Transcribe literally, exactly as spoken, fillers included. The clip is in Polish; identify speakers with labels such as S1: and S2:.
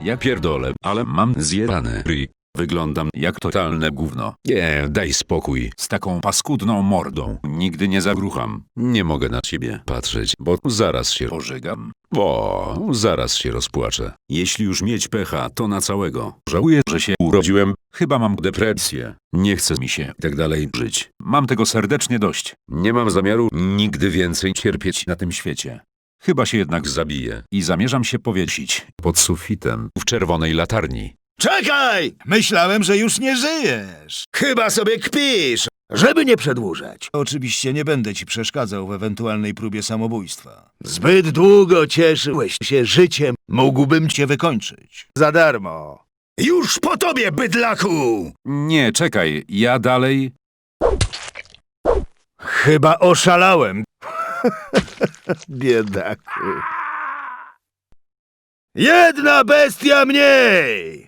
S1: Ja pierdolę, ale mam zjebany ryj. Wyglądam jak totalne gówno. Nie, daj spokój. Z taką paskudną mordą nigdy nie zawrucham. Nie mogę na ciebie patrzeć, bo zaraz się pożygam. O, zaraz się rozpłaczę. Jeśli już mieć pecha, to na całego. Żałuję, że się urodziłem. Chyba mam depresję. Nie chce mi się tak dalej żyć. Mam tego serdecznie dość. Nie mam zamiaru nigdy więcej cierpieć na tym świecie. Chyba się jednak zabiję i zamierzam się powiesić pod sufitem w czerwonej latarni.
S2: Czekaj! Myślałem, że już nie żyjesz. Chyba sobie kpisz, żeby nie przedłużać. Oczywiście nie będę ci przeszkadzał w ewentualnej próbie samobójstwa. Zbyt długo cieszyłeś się życiem. Mógłbym cię wykończyć. Za darmo. Już po tobie, bydlaku!
S1: Nie, czekaj, ja dalej...
S2: Chyba oszalałem. Biedaku. Jedna bestia mniej!